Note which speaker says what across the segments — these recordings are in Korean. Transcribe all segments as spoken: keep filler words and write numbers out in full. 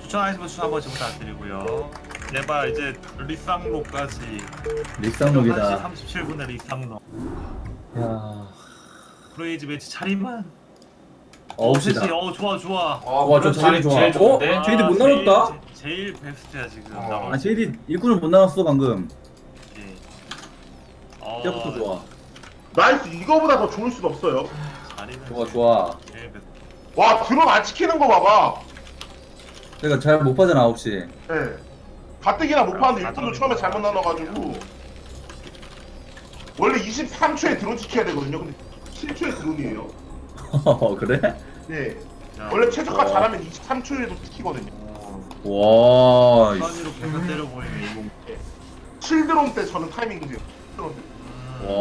Speaker 1: 추천하시면 추천 한번 지금 부탁드리고요. 네바 이제 리쌍로까지
Speaker 2: 릭상록이다.
Speaker 1: 삼십칠 분의 리쌍로.
Speaker 2: 야,
Speaker 1: 크레이지 매치 차림만.
Speaker 2: 어우시다.
Speaker 1: 어 좋아 좋아.
Speaker 3: 어,
Speaker 2: 와,
Speaker 3: 그럼
Speaker 2: 저 자리
Speaker 3: 제일,
Speaker 2: 좋아.
Speaker 3: 제일 좋은데?
Speaker 2: 어? 제이디 못
Speaker 1: 제일-
Speaker 2: 나눴다?
Speaker 1: 제- 제일 베스트야 지금.
Speaker 3: 어.
Speaker 1: 나머지.
Speaker 2: 아, 제이디 일꾼을 못 나눴어 방금.
Speaker 1: 예. 어,
Speaker 2: 시작부터 좋아.
Speaker 4: 나이스. 이거보다 더 좋을 순 없어요.
Speaker 1: 자리는
Speaker 2: 좋아 좋아.
Speaker 1: 제일 베스트.
Speaker 4: 와, 드론 안 지키는 거 봐봐.
Speaker 2: 그러니까 잘 못 파잖아 아홉 시.
Speaker 4: 예. 가뜩이나 못 파는데 일꾼도 처음에 잘못 나눠가지고 원래 이십삼 초에 드론 지켜야 되거든요. 근데 칠 초에 드론이에요.
Speaker 2: 그래?
Speaker 4: 네.
Speaker 1: 자,
Speaker 4: 원래 최저가
Speaker 2: 어.
Speaker 4: 잘하면 이십삼 초에도 지키거든요.
Speaker 2: 와.
Speaker 1: 선이로 계속 때려보이네 이공.
Speaker 4: 칠 드론 때 저는 타이밍 돼요. 드론 때.
Speaker 2: 와.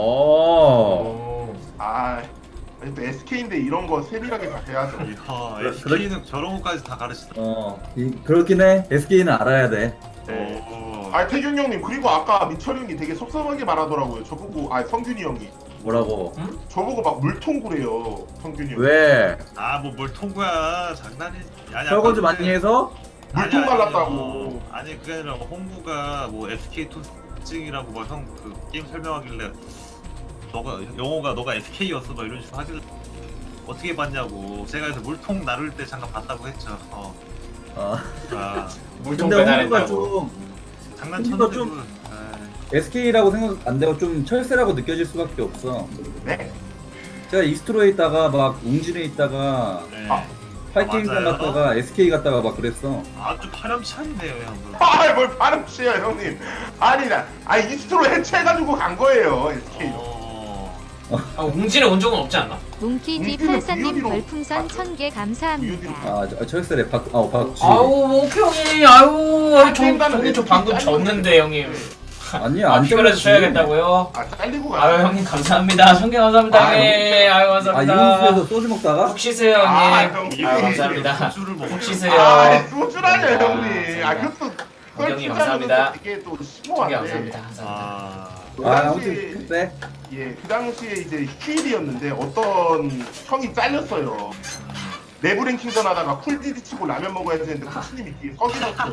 Speaker 3: 오.
Speaker 4: 아, 아니 또 에스케이인데 이런 거 세밀하게 다 돼야죠.
Speaker 1: 이야,
Speaker 2: 그래-
Speaker 1: 에스케이는 저런 것까지 다 가르치다.
Speaker 2: 어. 이, 그렇긴 해. 에스케이는 알아야 돼.
Speaker 4: 네.
Speaker 1: 오.
Speaker 4: 아, 태균 형님 그리고 아까 민철이 형이 되게 섭섭하게 말하더라고요. 저보고 아 성균이 형이
Speaker 2: 뭐라고?
Speaker 4: 저보고 막 물통구래요. 성균이 형.
Speaker 2: 왜?
Speaker 1: 아, 뭐 뭘 통구야. 장난이. 아니,
Speaker 2: 설거지
Speaker 1: 아까
Speaker 2: 많이 해서?
Speaker 4: 물통
Speaker 1: 아니,
Speaker 4: 갈랐다고.
Speaker 1: 아니, 아니 그게 아니라 홍구가 뭐 에스케이 토스증이라고 뭐 형 그 게임 설명하길래 너가 영호가 너가 에스케이였어 막 이런 식으로 하길래 어떻게 봤냐고. 제가 그래서 물통 나를 때 잠깐 봤다고 했죠. 어.
Speaker 2: 어.
Speaker 1: 아,
Speaker 3: 물통
Speaker 2: 근데 홍구가
Speaker 3: 배달했다고.
Speaker 2: 좀
Speaker 1: 장난쳤는데
Speaker 2: 좀-
Speaker 1: 그,
Speaker 2: 에스케이라고 생각 안 되고 좀 철새라고 느껴질 수밖에 없어.
Speaker 4: 네.
Speaker 2: 제가 이스트로에 있다가 막 웅진에 있다가
Speaker 1: 네.
Speaker 4: 아,
Speaker 2: 파이팅전
Speaker 1: 맞아요.
Speaker 2: 갔다가 에스케이 갔다가 막 그랬어.
Speaker 1: 아주 파렴치한데요 형.
Speaker 4: 아, 뭘 발음치야 형님. 아니 나, 아 이스트로 해체해가지고 간 거예요 에스케이.
Speaker 1: 어...
Speaker 3: 아, 웅진에 온 적은 없지 않나?
Speaker 4: 웅기는
Speaker 5: 뭉키디팔사님
Speaker 4: 부유리로
Speaker 5: 별풍선
Speaker 4: 봤죠.
Speaker 5: 천 개 감사합니다.
Speaker 2: 아, 저- 철새래. 박, 아, 박쥐.
Speaker 3: 아우, 목형이, 아유, 아유, 저,
Speaker 4: 땡가는
Speaker 3: 저기 저
Speaker 4: 왜
Speaker 3: 방금
Speaker 4: 이렇게
Speaker 3: 졌는데, 형님.
Speaker 2: 아니야,
Speaker 3: 아,
Speaker 2: 안
Speaker 3: 피가라도
Speaker 2: 잘랐지.
Speaker 3: 쳐야겠다고요?
Speaker 4: 아 잘리고 가.
Speaker 3: 아유, 형님, 감사합니다. 성개 감사합니다,
Speaker 4: 아유,
Speaker 3: 형님. 아유,
Speaker 2: 아,
Speaker 3: 감사합니다.
Speaker 2: 이웃에서 소주 먹다가?
Speaker 3: 푹 쉬세요,
Speaker 4: 아,
Speaker 3: 형님.
Speaker 4: 형님.
Speaker 3: 아유, 감사합니다.
Speaker 1: 술을 먹어.
Speaker 3: 푹 쉬세요.
Speaker 4: 아, 소주라뇨
Speaker 3: 아,
Speaker 4: 형님. 아
Speaker 3: 감사합니다.
Speaker 4: 그것도
Speaker 3: 형님, 감사합니다.
Speaker 4: 이게 또
Speaker 3: 성개
Speaker 4: 심오한데.
Speaker 3: 감사합니다. 감사합니다.
Speaker 1: 아...
Speaker 4: 그
Speaker 2: 아,
Speaker 4: 당시
Speaker 2: 아무튼 그때
Speaker 4: 예, 그 당시에 이제 휴일이었는데 어떤 형이 잘렸어요. 내부 랭킹전 하다가 쿨디디 치고 라면 먹어야 되는데 코치님이 뒤에 서 계셨어요.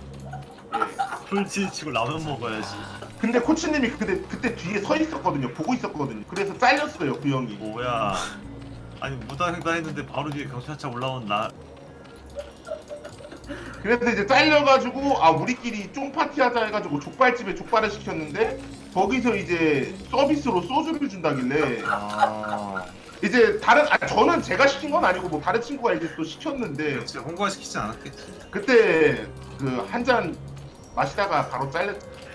Speaker 4: 예.
Speaker 1: 풀치 치고 라면 먹어야지.
Speaker 4: 근데 코치님이 그때 그때 뒤에 서 있었거든요. 보고 있었거든요. 그래서 잘렸어요 그 형이.
Speaker 1: 뭐야? 아니 무당행다 했는데 바로 뒤에 경찰차 올라온 나.
Speaker 4: 그래서 이제 잘려가지고 아 우리끼리 쫑 파티하자 해가지고 족발집에 족발을 시켰는데 거기서 이제 서비스로 소주를 준다길래
Speaker 1: 아...
Speaker 4: 이제 다른 아 저는 제가 시킨 건 아니고 뭐 다른 친구가 이제 또 시켰는데
Speaker 1: 그렇지 홍보화 시키지 않았겠지.
Speaker 4: 그때 그 한 잔 마시다가 바로 잘렸.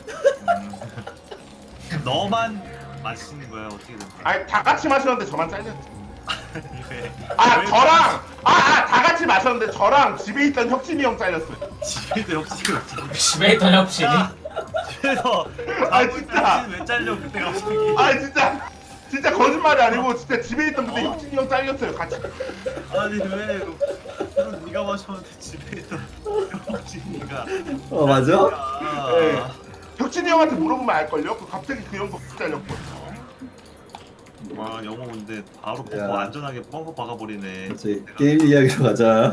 Speaker 1: 음. 너만 마시는 거야 어떻게 된 거야?
Speaker 4: 아니 다 같이 마셨는데 저만 잘렸지.
Speaker 1: 왜?
Speaker 4: 아
Speaker 1: 왜
Speaker 4: 저랑 아다 같이 마셨는데 저랑 집에 있던 혁진이 형 잘렸어요.
Speaker 1: 집에도 혁신이 없잖아.
Speaker 3: 집에 있던 혁신이?
Speaker 1: 집에서
Speaker 4: 아,
Speaker 1: 자고
Speaker 4: 진짜.
Speaker 1: 있던 혁신이 왜 잘려 그때 갑자기?
Speaker 4: 아 진짜 진짜 거짓말이 아니고 진짜 집에 있던 근데 혁진이 형 잘렸어요 같이.
Speaker 1: 아니 왜? 술은 네가 마셨는데 집에 있던 혁신이가.
Speaker 2: 어, 맞아?
Speaker 4: 네. 혁진이 형한테 물어보면 알걸요? 그 갑자기 그 형도 잘렸거든요.
Speaker 1: 와 영호 근데 바로 벙커
Speaker 2: 야.
Speaker 1: 안전하게 벙커 박아버리네.
Speaker 2: 그렇지. 게임 이야기로 가자.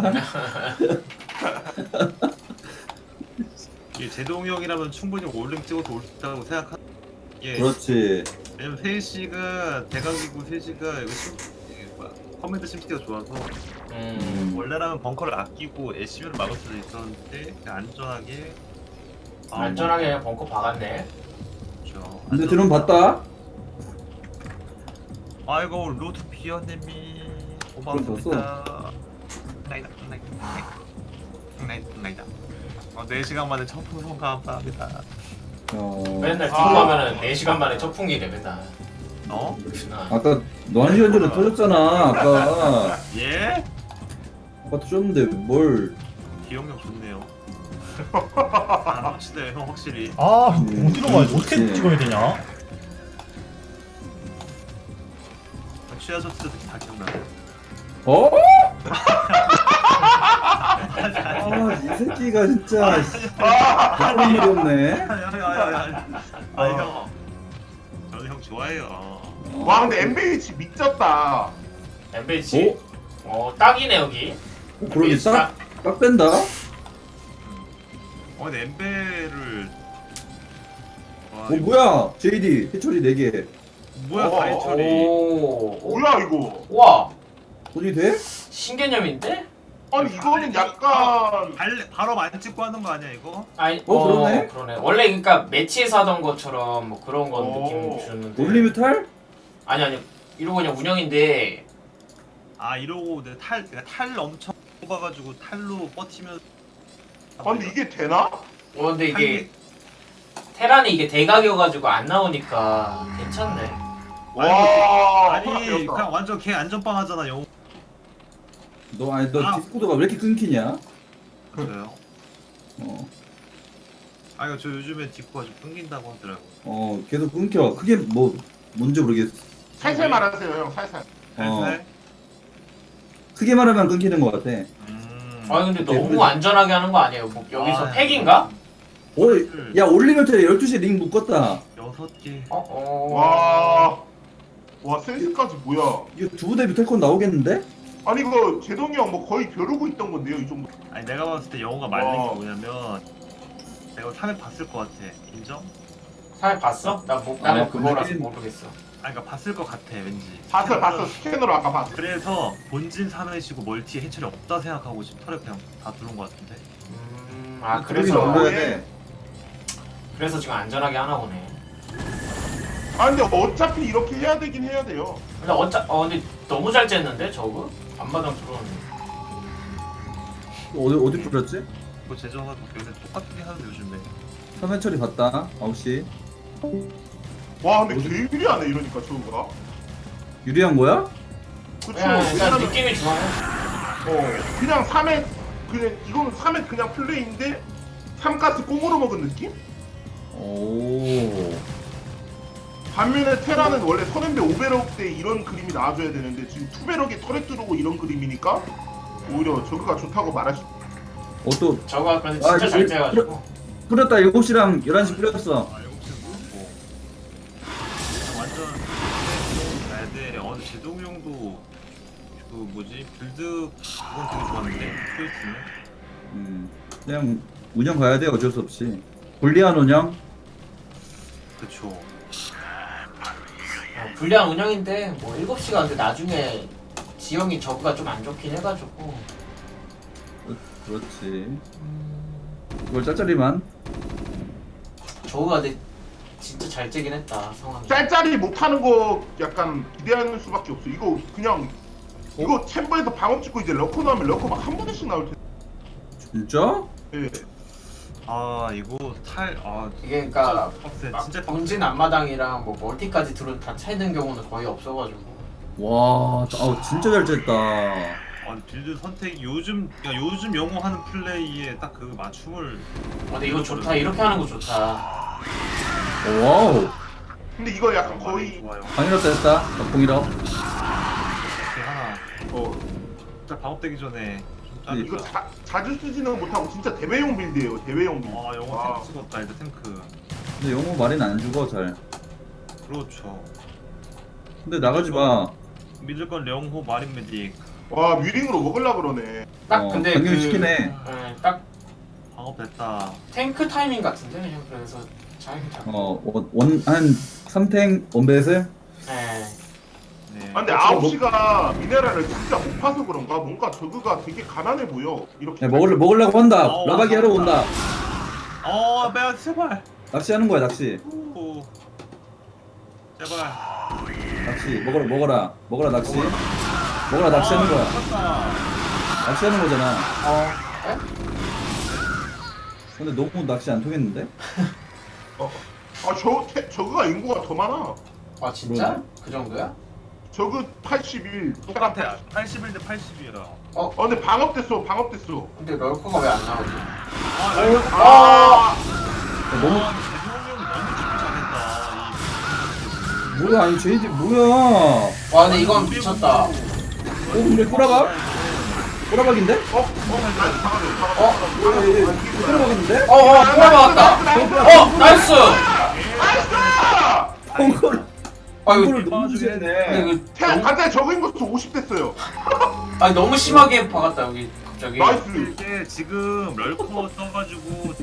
Speaker 1: 이 제동이 형이라면 충분히 올림 찍어서 올 수 있다고 생각하. 예.
Speaker 2: 그렇지.
Speaker 1: 왜냐면 세이 씨가 대각이고 세이 씨가 이거 심 이게 뭐야 커맨드 심스티가 좋아서
Speaker 3: 음.
Speaker 1: 원래라면 벙커를 아끼고 애쉬를 막을 수도 있었는데 그냥 안전하게. 아,
Speaker 3: 안전하게 벙커 박았네.
Speaker 1: 그렇죠.
Speaker 2: 근데 드론 봤다?
Speaker 1: 아이고 로드 비어님이 고맙습니다. 나이다 나이다 나이다 나이다. 어, 네 시간 만에 첫 풍선 감사합니다.
Speaker 2: 어.
Speaker 3: 맨날
Speaker 4: 아.
Speaker 3: 뒷고 하면은 네 시간 만에 첫 풍기래, 맨날.
Speaker 1: 어?
Speaker 3: 그렇구나.
Speaker 2: 아까 너 한 시간 전에 터졌잖아. 아까.
Speaker 1: 예?
Speaker 2: 아까 터졌는데 뭘.
Speaker 1: 기억력 좋네요. 아, 확실해 형 확실히.
Speaker 6: 아
Speaker 2: 음,
Speaker 6: 어디로 가야 돼? 어떻게
Speaker 2: 그렇지.
Speaker 6: 찍어야 되냐?
Speaker 1: 취하셨을 때도 다 기억나요.
Speaker 2: 어? 아, 이 새끼가 진짜. 그런 일이 없네.
Speaker 1: 아니 아니 아니 아니. 아니 형. 저는 형 좋아해요.
Speaker 4: 와 근데 엠비에이치 미쳤다.
Speaker 3: 엠비씨? 어, 딱이네, 여기.
Speaker 2: 어, 그러게 딱, 딱 뺀다?
Speaker 1: 어 근데 엠베를 와,
Speaker 2: 어
Speaker 1: 이거
Speaker 2: 뭐야 제이디 해처리 네 개.
Speaker 1: 뭐야
Speaker 4: 어,
Speaker 1: 다이처리
Speaker 3: 오. 오.
Speaker 4: 뭐야 이거?
Speaker 3: 와.
Speaker 2: 돈이 돼?
Speaker 3: 신개념인데?
Speaker 4: 아니 이거는 약간
Speaker 1: 발 바로 안 찍고 하는 거 아니야 이거?
Speaker 3: 아니,
Speaker 2: 어, 그러네?
Speaker 3: 그러네. 원래 그러니까 매치에서 하던 것처럼 뭐 그런 건
Speaker 4: 오.
Speaker 3: 느낌 주는데.
Speaker 2: 올리뮤탈?
Speaker 3: 아니 아니. 이러고 그냥 운영인데.
Speaker 1: 아 이러고 내 탈, 내가 탈 엄청 뽑아가지고 탈로 버티면
Speaker 4: 아, 근데 이게 되나?
Speaker 3: 어 근데 이게
Speaker 1: 탈-
Speaker 3: 테란이 이게 대각이어가지고 안 나오니까 괜찮네.
Speaker 4: 와
Speaker 1: 아니
Speaker 4: 배웠다.
Speaker 1: 그냥 완전 개 안전빵 하잖아 영
Speaker 2: 너 아니 너
Speaker 1: 아.
Speaker 2: 디스코드가 왜 이렇게 끊기냐?
Speaker 1: 그래요?
Speaker 2: 어,
Speaker 1: 아 이거 저 요즘에 디코가 좀 끊긴다고 하더라고
Speaker 2: 어 계속 끊겨. 그게 뭐 뭔지 모르겠어.
Speaker 4: 살살 말하세요 형 살살.
Speaker 2: 어.
Speaker 1: 살살?
Speaker 2: 크게 말하면 끊기는 것 같아.
Speaker 1: 음...
Speaker 3: 아 근데 너무
Speaker 2: 그래서-
Speaker 3: 안전하게 하는 거 아니에요? 뭐 여기서
Speaker 1: 아,
Speaker 3: 팩인가?
Speaker 2: 오, 야 올리뮤탈 열두 시에 링 묶었다.
Speaker 1: 여섯 개
Speaker 3: 어 어.
Speaker 4: 와. 와 센스까지 뭐야?
Speaker 2: 이거 두 부대 뮤탈콘 나오겠는데?
Speaker 4: 아니 이거 제동이 형 뭐 거의 벼르고 있던 건데요 이 정도.
Speaker 1: 아니 내가 봤을 때 영호가 말린
Speaker 4: 와.
Speaker 1: 게 뭐냐면 내가 삼회 봤을 것 같아 인정?
Speaker 3: 사회 봤어? 나 뭐, 나는
Speaker 2: 아,
Speaker 3: 그거라서
Speaker 2: 근데-
Speaker 3: 모르겠어.
Speaker 1: 아니 그러니까 봤을 것 같아 왠지
Speaker 4: 봤어 봤어 스캐너로 아까 봤어.
Speaker 1: 그래서 본진 삼회시고 멀티에 해철이 없다 생각하고 지금 털에 그냥 다 들어온 것 같은데
Speaker 3: 음, 아
Speaker 2: 그러기
Speaker 3: 그래서
Speaker 2: 넘겨야 돼.
Speaker 3: 그래서 지금 안전하게 하나 보네.
Speaker 4: 아 근데 어차피 이렇게 해야 되긴 해야 돼요.
Speaker 3: 근데 어차 어 근데 너무 잘 쨌는데 저거 앞마당 들어오는.
Speaker 2: 어디 어디 뿌렸지?
Speaker 1: 그거 제정하고 요새 똑같게 하는데 요즘에
Speaker 2: 삼회 처리 봤다. 아홉 시.
Speaker 4: 와 근데 개 유리하네 이러니까 저거가.
Speaker 2: 유리한 거야?
Speaker 4: 그쵸.
Speaker 3: 그냥 일단
Speaker 4: 왜냐면
Speaker 3: 느낌이 좋아요.
Speaker 4: 어 그냥 삼회 그냥 이거는 삼 회 그냥 플레이인데 삼가스 꽁으로 먹은 느낌?
Speaker 2: 오.
Speaker 4: 반면에 테라는 원래 선앤배 오베럭 때 이런 그림이 나와줘야 되는데 지금 투베럭에 털에 뚫고 이런 그림이니까 오히려 저거가 좋다고 말할 수.
Speaker 2: 어 또
Speaker 3: 저거 근데
Speaker 2: 아,
Speaker 3: 진짜
Speaker 2: 이거
Speaker 3: 잘
Speaker 2: 일-
Speaker 3: 째가지고.
Speaker 2: 뿌렸다. 일곱 시랑 열한 시 뿌렸어.
Speaker 1: 아 일곱 시 뭐 완전 가야 돼. 어 근데 제동 형도 그 뭐지 빌드 그건 되게 좋았는데 스위스는
Speaker 2: 음. 그냥 운영 가야 돼. 어쩔 수 없이. 불리한 운영.
Speaker 1: 그쵸.
Speaker 3: 어, 불리한 운영인데 뭐 일곱 시가 근데 나중에 지형이 저거가 좀 안 좋긴 해가지고.
Speaker 2: 그렇지. 이걸 짤짤이만.
Speaker 3: 저거가 근데 진짜 잘 째긴 했다 상황이.
Speaker 4: 짤짤이 못하는 거 약간 기대하는 수밖에 없어. 이거 그냥 이거 챔버에서 방업 찍고 이제 러커 나오면 러커 막 한 번씩 나올 텐데.
Speaker 2: 진짜?
Speaker 4: 예.
Speaker 1: 아 이거 탈아
Speaker 3: 이게 그러니까
Speaker 1: 빡세
Speaker 3: 막
Speaker 1: 진짜 빡세.
Speaker 3: 본진 앞마당이랑 뭐 멀티까지 들어 다 차이는 경우는 거의 없어가지고.
Speaker 2: 와, 아우 진짜 잘 쨌다.
Speaker 1: 아 빌드 선택이 요즘 야 요즘 영호 하는 플레이에 딱 그 맞춤을
Speaker 3: 어, 근데 이거 좋다. 이렇게 하는 거 좋다.
Speaker 2: 와우.
Speaker 4: 근데 이거 약간
Speaker 1: 많이
Speaker 4: 거의
Speaker 1: 좋아요.
Speaker 2: 방일업 됐다. 공일업.
Speaker 1: 이렇게 하나
Speaker 4: 어
Speaker 1: 진짜 방업되기 전에 좀
Speaker 2: 네,
Speaker 4: 이거
Speaker 1: 짜니까.
Speaker 4: 자, 자주 쓰지는 못하고 진짜 대회용 빌드예요. 대회용 빌드.
Speaker 1: 아 영호
Speaker 4: 와.
Speaker 1: 탱크 찍었다 일단 탱크.
Speaker 2: 근데 영호 말은 안 죽어 잘.
Speaker 1: 그렇죠.
Speaker 2: 근데 나가지 마.
Speaker 1: 믿을 건 영호 마린 메딕
Speaker 4: 와 뮤링으로 먹으려 그러네.
Speaker 3: 딱
Speaker 2: 어,
Speaker 3: 근데
Speaker 2: 변경
Speaker 3: 그
Speaker 2: 시키네.
Speaker 3: 예, 딱
Speaker 1: 방업됐다.
Speaker 3: 탱크 타이밍 같은데 그냥 그래서 잘 잡고.
Speaker 2: 어, 원한 삼탱 원베슬.
Speaker 3: 예.
Speaker 1: 네.
Speaker 4: 아, 근데 아홉 시가 미네랄을 진짜 못 파서 그런가? 뭔가 저그가 되게 가난해 보여. 이렇게.
Speaker 2: 야, 먹을 먹으려고 한다.
Speaker 1: 어,
Speaker 2: 라바기 하러 온다.
Speaker 1: 어, 매야 제발.
Speaker 2: 낚시하는 거야 낚시.
Speaker 1: 오. 제발.
Speaker 2: 낚시 먹어라 먹어라 먹어라 낚시. 먹어라 낚시하는 거야.
Speaker 1: 아,
Speaker 2: 낚시하는 거잖아.
Speaker 3: 어. 예?
Speaker 2: 근데 너무 낚시 안 통했는데?
Speaker 4: 아저 저그가 인구가 더 많아.
Speaker 3: 아 진짜?
Speaker 2: 그러네.
Speaker 3: 그 정도야?
Speaker 4: 저그 팔십일.
Speaker 1: 똑같아. 팔십일 대 팔십이야.
Speaker 4: 어 근데 방업됐어. 방업됐어.
Speaker 3: 근데 럴커가 왜 안 나오지?
Speaker 1: 아, 나 이거
Speaker 4: 아.
Speaker 2: 야, 너무
Speaker 1: 아, 대종이 형이 너무 죽기 잘했다. 이
Speaker 2: 뭐야 아니 제이디 뭐야?
Speaker 3: 와 근데 이건 미쳤다.
Speaker 2: 어 근데 꼬라박? 꼬라박인데?
Speaker 4: 어? 어? 아니 방어돼. 방어돼.
Speaker 3: 어?
Speaker 2: 뭐야 얘 꼬라박인데?
Speaker 3: 어어 돌아봤다. 어 나이스.
Speaker 4: 나이스!
Speaker 2: 펑크를
Speaker 3: 아 이거
Speaker 2: 펑크를 너무 주게
Speaker 3: 근데
Speaker 2: 했네.
Speaker 3: 이거
Speaker 4: 태양
Speaker 3: 너무,
Speaker 4: 간단히 적은 것도 오십 됐어요.
Speaker 3: 아니 너무 심하게 박았다 여기 저기
Speaker 4: 나이스.
Speaker 1: 이게 지금 럴커 써가지고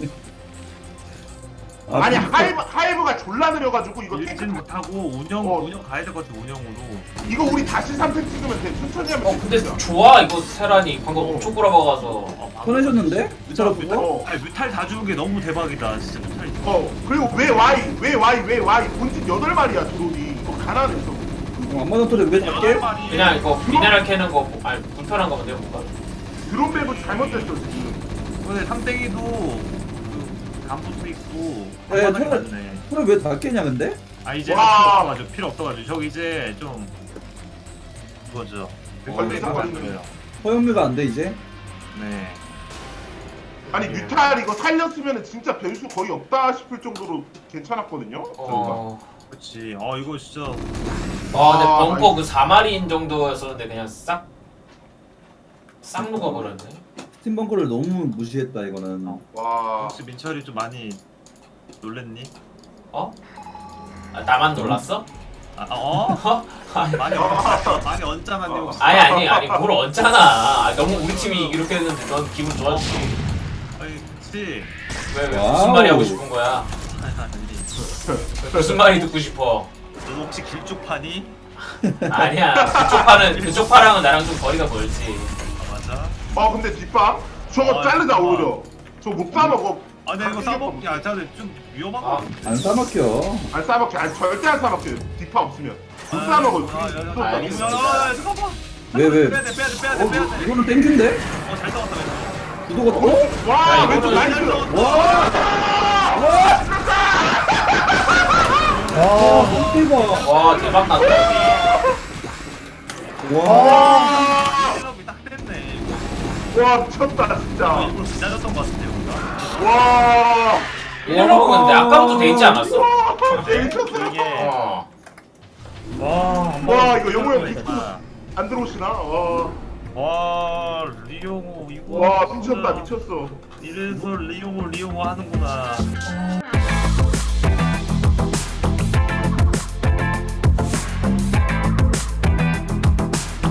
Speaker 4: 아니
Speaker 2: 아,
Speaker 4: 하이브 하이브가 졸라 느려가지고 이거
Speaker 1: 일진
Speaker 4: 탱크
Speaker 1: 못하고 운영
Speaker 4: 어.
Speaker 1: 운영 가야 될 것 같아 운영으로.
Speaker 4: 이거 우리 다시 삼 탱 찍으면 돼. 천천히 하면
Speaker 3: 어
Speaker 4: 돼.
Speaker 3: 근데
Speaker 4: 진짜.
Speaker 3: 좋아 이거 테란이 방금
Speaker 4: 어.
Speaker 3: 엄청 꼬라박아서.
Speaker 1: 어, 방금
Speaker 2: 손해줬는데? 미쳐라
Speaker 1: 뮤탈,
Speaker 2: 그거?
Speaker 4: 어.
Speaker 1: 아니 뮤탈 다 주는 게 너무 대박이다. 진짜 뮤탈이.
Speaker 4: 어 그리고 왜 와이 왜 와이 왜 와이 본진 여덟 마리야 드론이. 이거 가난해 저.
Speaker 2: 어, 안 맞은 소리 왜 잡게?
Speaker 1: 말이
Speaker 3: 그냥 이거 미네랄 캐는 거 뭐- 아니 불편한 거면 내가 뭔가.
Speaker 4: 드론 맵은 잘못됐어 지금.
Speaker 1: 근데 삼땡이도 그 간부도 있고
Speaker 2: 네,
Speaker 1: 한바닥이
Speaker 2: 저는-
Speaker 1: 많네.
Speaker 2: 소리 왜 다 깨냐 근데?
Speaker 1: 아 이제
Speaker 4: 와.
Speaker 1: 필요 없어가지고 필요 없어가지고 저기 이제 좀 그거죠.
Speaker 4: 걸리자,
Speaker 1: 어,
Speaker 4: 걸리자.
Speaker 1: 거예요.
Speaker 2: 허용료가 안 돼 이제?
Speaker 1: 네.
Speaker 4: 아니 뮤탈 이거 살렸으면 진짜 변수 거의 없다 싶을 정도로 괜찮았거든요. 드론가.
Speaker 3: 어.
Speaker 1: 그렇지. 어 이거 진짜
Speaker 3: 아 근데
Speaker 4: 아,
Speaker 3: 벙커 그 사 마리인 정도였었는데 그냥 싹. 싹 녹아버렸네.
Speaker 2: 스팀 벙커를 너무 무시했다 이거는.
Speaker 1: 어.
Speaker 4: 와.
Speaker 1: 혹시 민철이 좀 많이 놀랬니?
Speaker 3: 어? 아, 나만 놀랐어?
Speaker 1: 아 어?
Speaker 3: 어? 아니
Speaker 1: 많이 얹 많이 얹잖아니 혹시?
Speaker 3: 아니 아니 아니 뭘 얹잖아. 아, 너무 우리 팀이 이렇게 했는데 넌 기분 좋았지.
Speaker 1: 아니 그렇지.
Speaker 3: 왜, 왜
Speaker 2: 와우.
Speaker 3: 무슨 말이 하고 싶은 거야?
Speaker 1: 아니 아니.
Speaker 3: 무슨 말이 듣고 싶어?
Speaker 1: 너 혹시 길쭉파니?
Speaker 3: 아니야. 그쪽 파는 그쪽 파랑은 나랑 좀 거리가 멀지.
Speaker 1: 아 맞아.
Speaker 4: 어 근데 뒷방 저거
Speaker 1: 아,
Speaker 4: 자르자
Speaker 1: 뒷방.
Speaker 4: 오히려. 저거 못 싸먹어.
Speaker 1: 아 근데 이거 싸먹기 아 진짜 좀 위험한 거
Speaker 3: 아,
Speaker 1: 같은데.
Speaker 2: 안 싸먹혀.
Speaker 4: 안 싸먹게. 아니 절대 안 싸먹게. 뒷파 없으면. 못 싸먹어.
Speaker 1: 아, 야, 야, 야,
Speaker 4: 또
Speaker 1: 아,
Speaker 3: 알겠어.
Speaker 1: 야, 야, 야, 잠깐만.
Speaker 2: 왜 왜?
Speaker 1: 빼야 돼 빼야 돼 빼야 돼
Speaker 2: 어
Speaker 1: 빼야 돼.
Speaker 2: 이거는 땡큐인데?
Speaker 1: 어잘 싸웠다 왼쪽.
Speaker 2: 구도가 어?
Speaker 4: 와
Speaker 3: 야,
Speaker 4: 왼쪽
Speaker 3: 이거는
Speaker 4: 나이스.
Speaker 2: 와 너무 대박.
Speaker 3: 와 대박 났다 여기.
Speaker 2: 와.
Speaker 1: 셋업이 딱 됐네. 이거.
Speaker 4: 와 미쳤다
Speaker 1: 아,
Speaker 4: 진짜.
Speaker 1: 일부러 기다렸던 것 같은데 우리가.
Speaker 4: 와.
Speaker 3: 이러고 근데 아까부터 돼 있지 않았어?
Speaker 4: 와 미쳤어.
Speaker 1: 이게
Speaker 3: 어.
Speaker 4: 와 이거 영호 형
Speaker 1: 됐다.
Speaker 4: 미쳤. 안 들어오시나? 와.
Speaker 1: 와 리용호 이거.
Speaker 4: 와 미쳤다 미쳤어.
Speaker 1: 이래서 리용호 리용호 하는구나.